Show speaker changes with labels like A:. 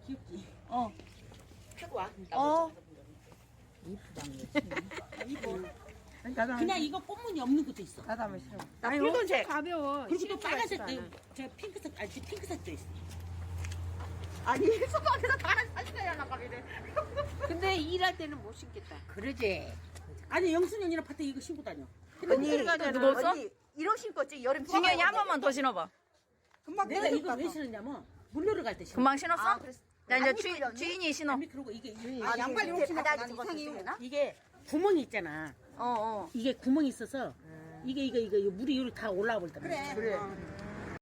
A: 귀엽지?
B: 어.
A: 하고 와.
B: 어.
A: 그냥 이거 꽃무늬 없는 것도 있어.
C: 나도 한번 싫어.
B: 나 붉은색.
C: 가벼워.
A: 그리고 또 빨간색도, 저 핑크색, 아니, 핑크색도 있어.
B: 아니, 소방에서 다른 사진이야, 나가기를.
C: 근데 일할 때는 못 신겠다.
A: 그러지. 아니, 영순이 언니랑 밭에 이거 신고 다녀.
B: 언니, 누구 없어?
C: 언니, 이런 신거지 여름.
B: 중현이 한 번만 더 신어봐.
C: 금방
A: 내가 이거 왜 신었냐면, 물 놀러 갈 때 신어.
B: 금방 신었어?
C: 아, 그랬어.
B: 나 이제
C: 안 이쁘려, 언니?
B: 주인이 신어.
A: 아니, 그리고 이게,
C: 아, 양말
A: 이게,
C: 이렇게 신었다. 바닥이 이상해. 되나?
A: 이게 구멍이 있잖아.
B: 어.
A: 이게 구멍이 있어서, 이게 물이 여기 다 올라와 버리더라고.
C: 그래.